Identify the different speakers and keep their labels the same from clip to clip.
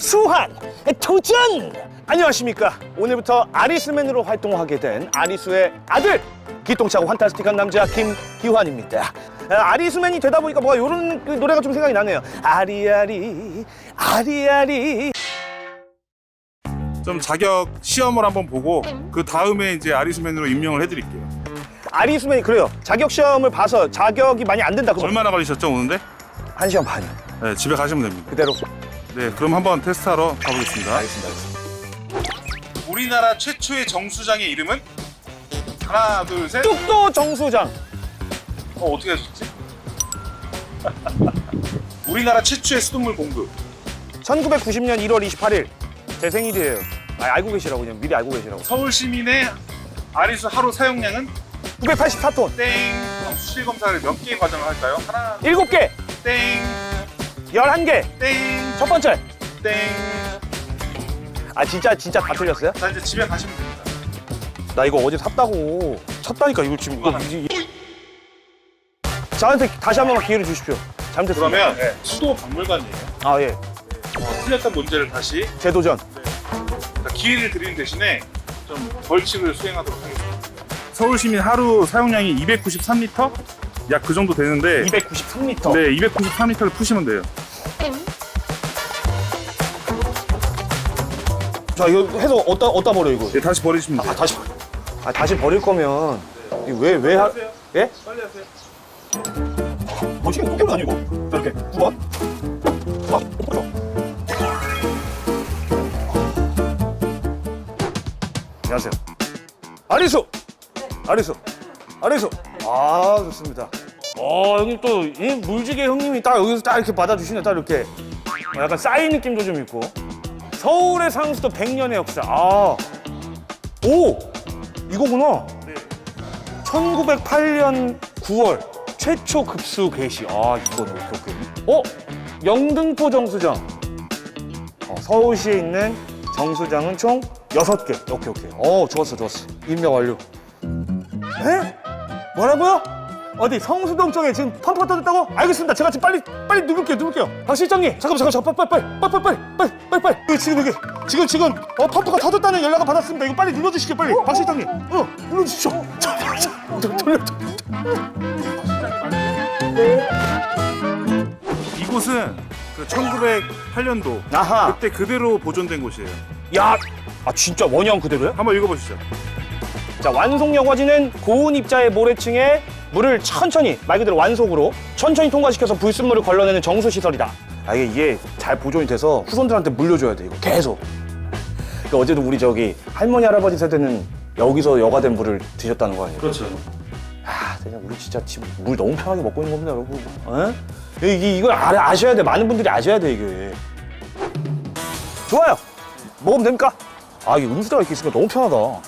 Speaker 1: 수환 도전! 안녕하십니까. 오늘부터 아리수맨으로 활동하게 된 아리수의 아들, 기똥차고 환타스틱한 남자 김기환입니다. 아리수맨이 되다 보니까 뭐가 이런 노래가 좀 생각이 나네요. 아리아리 아리아리.
Speaker 2: 좀 자격 시험을 한번 보고 그 다음에 이제 아리수맨으로 임명을 해드릴게요.
Speaker 1: 아리수맨이 그래요. 자격 시험을 봐서 자격이 많이 안 된다.
Speaker 2: 얼마나 걸리셨죠 오는데?
Speaker 1: 1시간 반이요.
Speaker 2: 네, 집에 가시면 됩니다.
Speaker 1: 그대로.
Speaker 2: 네, 그럼 한번 테스트하러 가보겠습니다.
Speaker 1: 알겠습니다.
Speaker 2: 우리나라 최초의 정수장의 이름은? 하나, 둘, 셋.
Speaker 1: 뚝도 정수장.
Speaker 2: 어떻게 하셨지? 우리나라 최초의 수돗물 공급.
Speaker 1: 1990년 1월 28일. 제 생일이에요. 알고 계시라고, 그냥 미리 알고 계시라고.
Speaker 2: 서울 시민의 아리수 하루 사용량은?
Speaker 1: 984톤.
Speaker 2: 땡. 그럼 수질 검사를 몇 개의 과정을 할까요? 하나,
Speaker 1: 7개.
Speaker 2: 땡.
Speaker 1: 11개.
Speaker 2: 땡.
Speaker 1: 첫 번째.
Speaker 2: 땡.
Speaker 1: 아, 진짜 다 틀렸어요?
Speaker 2: 자, 이제 집에 가시면 됩니다.
Speaker 1: 나 이거 어제 샀다고. 샀다니까, 이거 지금. 저한테 다시 한 번만 기회를 주십시오. 잘못했습니다.
Speaker 2: 그러면
Speaker 1: 네.
Speaker 2: 수도 박물관이에요.
Speaker 1: 아, 예.
Speaker 2: 틀렸던 문제를 다시
Speaker 1: 재도전.
Speaker 2: 기회를 드리는 대신에 좀 벌칙을 수행하도록 하겠습니다. 서울 시민 하루 사용량이 293리터? 약 그 정도 되는데
Speaker 1: 293m.
Speaker 2: 네, 293리터를 푸시면 돼요.
Speaker 1: 자, 이거 해서 어디다 버려, 이거?
Speaker 2: 네, 다시 버리시면 돼요.
Speaker 1: 다시 버릴 거면. 왜
Speaker 2: 하세요.
Speaker 1: 예?
Speaker 2: 빨리 하세요.
Speaker 1: 뭐지? 이거 아니고. 이렇게. 9번. 안녕하세요. 아리수! 아리수. 아, 좋습니다. 형님 또, 이 물지개 형님이 딱 여기서 딱 이렇게 받아주시네, 딱 이렇게. 약간 쌓인 느낌도 좀 있고. 서울의 상수도 100년의 역사. 오! 이거구나.
Speaker 2: 네.
Speaker 1: 1908년 9월 최초 급수 개시. 이거는 오케이. 영등포 정수장. 서울시에 있는 정수장은 총 6개. 오케이. 좋았어. 임명 완료. 에? 뭐라고요? 어디 성수동 쪽에 지금 펌프가 터졌다고? 알겠습니다. 제가 지금 빨리 누를게요. 박 실장님, 잠깐, 빨리. 지금 펌프가 터졌다는 연락을 받았습니다. 이거 빨리 눌러주시죠, 빨리. 박 실장님, 눌러주시죠. 돌려.
Speaker 2: 이곳은 그 1908년도
Speaker 1: 아하.
Speaker 2: 그때 그대로 보존된 곳이에요.
Speaker 1: 야, 진짜 원형 그대로요?
Speaker 2: 한번 읽어보시죠.
Speaker 1: 자, 완속 여과지는 고온 입자의 모래층에 물을 천천히, 말 그대로 완속으로 천천히 통과시켜서 불순물을 걸러내는 정수시설이다. 이게 잘 보존이 돼서 후손들한테 물려줘야 돼, 이거 계속. 그러니까 어제도 우리 할머니, 할아버지 세대는 여기서 여과된 물을 드셨다는 거 아니에요?
Speaker 2: 그렇죠.
Speaker 1: 그냥 우리 진짜 지금 물 너무 편하게 먹고 있는 겁니다, 여러분. 이걸 아셔야 돼. 많은 분들이 아셔야 돼, 이게. 좋아요. 먹으면 됩니까? 이게 음수대가 이렇게 있으니까 너무 편하다.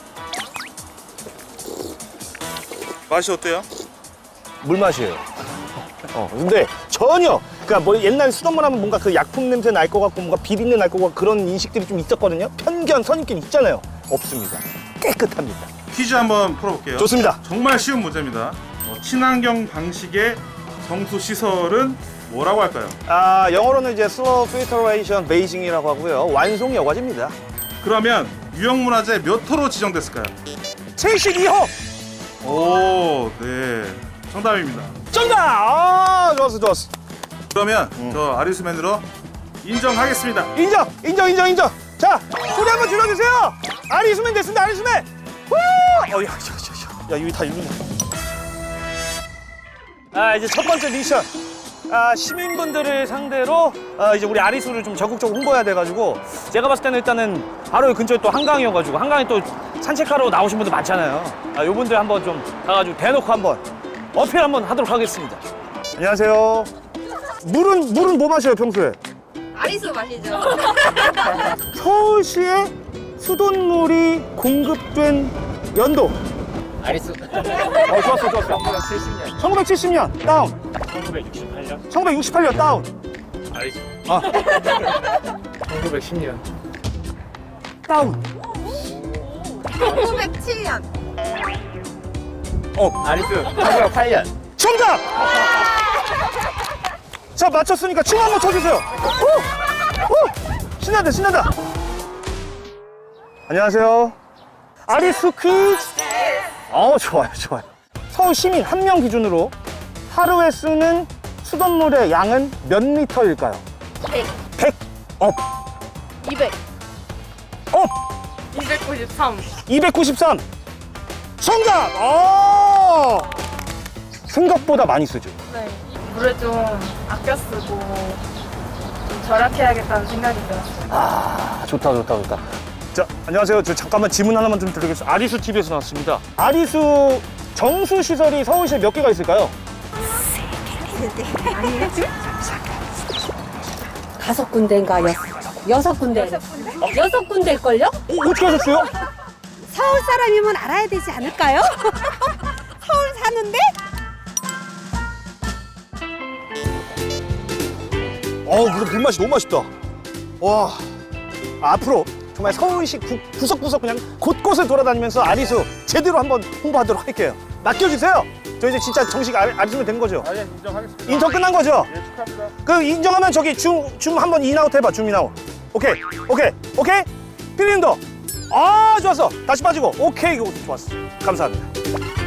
Speaker 2: 맛이 어때요?
Speaker 1: 물 맛이에요. 근데 전혀, 그러니까 뭐 옛날 수돗물 하면 뭔가 그 약품 냄새 날 것 같고 뭔가 비린내 날 것 같고 그런 인식들이 좀 있었거든요. 편견, 선입견 있잖아요. 없습니다. 깨끗합니다.
Speaker 2: 퀴즈 한번 풀어볼게요.
Speaker 1: 좋습니다.
Speaker 2: 정말 쉬운 문제입니다. 친환경 방식의 정수 시설은 뭐라고 할까요?
Speaker 1: 영어로는 이제 slow filtration basing이라고 하고요. 완속 여과지입니다.
Speaker 2: 그러면 유형문화재 몇 호로 지정됐을까요?
Speaker 1: 72호!
Speaker 2: 오, 네. 정답입니다.
Speaker 1: 정답! 좋았어.
Speaker 2: 그러면 저 아리수맨으로 인정하겠습니다.
Speaker 1: 인정. 자, 소리 한번 질러주세요. 아리수맨 됐습니다, 아리수맨. 후! 야, 이거 다 읽는다. 이제 첫 번째 미션. 시민분들을 상대로 이제 우리 아리수를 좀 적극적으로 홍보해야 돼가지고 제가 봤을 때는 일단은 바로 여기 근처에 또 한강이어가지고 한강에 또 산책하러 나오신 분들 많잖아요. 요분들 한번 좀 가가지고 대놓고 한번 어필 한번 하도록 하겠습니다. 안녕하세요. 물은 뭐 마셔요, 평소에?
Speaker 3: 아리수 마시죠.
Speaker 1: 서울시에 수돗물이 공급된 연도.
Speaker 4: 아리수
Speaker 1: 좋았어.
Speaker 4: 70년
Speaker 1: 1970년 다운.
Speaker 4: 1968년
Speaker 1: 1968년 다운.
Speaker 4: 아리수
Speaker 1: 아.
Speaker 4: 1910년
Speaker 1: 다운.
Speaker 3: 1907년.
Speaker 4: 아리수 1908년
Speaker 1: 정답! 자, 맞췄으니까 춤 한번 춰주세요. 신난다, 신난다. 안녕하세요. 아리수 퀴즈. 좋아요, 좋아요. 서울 시민 한 명 기준으로 하루에 쓰는 수돗물의 양은 몇 리터일까요?
Speaker 3: 100,
Speaker 1: 100. 업.
Speaker 3: 200,
Speaker 1: 업.
Speaker 3: 293.
Speaker 1: 293. 정답! 생각보다 많이 쓰죠.
Speaker 3: 네. 물을 좀 아껴 쓰고 좀 절약해야겠다는 생각이 들었어요.
Speaker 1: 좋다, 좋다, 좋다. 자, 안녕하세요. 저 잠깐만 질문 하나만 좀 드리겠습니다. 아리수 TV에서 나왔습니다. 아리수 정수 시설이 서울시에 몇 개가 있을까요?
Speaker 5: 5군데인가 여섯 군데. 여섯 군데일걸요?
Speaker 1: 어떻게 하셨어요?
Speaker 6: 서울 사람이면 알아야 되지 않을까요? 서울 사는데?
Speaker 1: 근데 물맛이 너무 맛있다. 와, 앞으로 정말 서울시 구석구석 그냥 곳곳을 돌아다니면서 아리수 제대로 한번 홍보하도록 할게요. 맡겨주세요. 저 이제 진짜 정식 아리수면 된 거죠?
Speaker 2: 예, 인정하겠습니다.
Speaker 1: 인턴 끝난 거죠?
Speaker 2: 예, 축하합니다.
Speaker 1: 그 인정하면 저기 줌 한번 인아웃 해봐. 줌 인아웃. 오케이. 피디님도. 좋았어. 다시 빠지고. 오케이. 이거 좋았어. 감사합니다.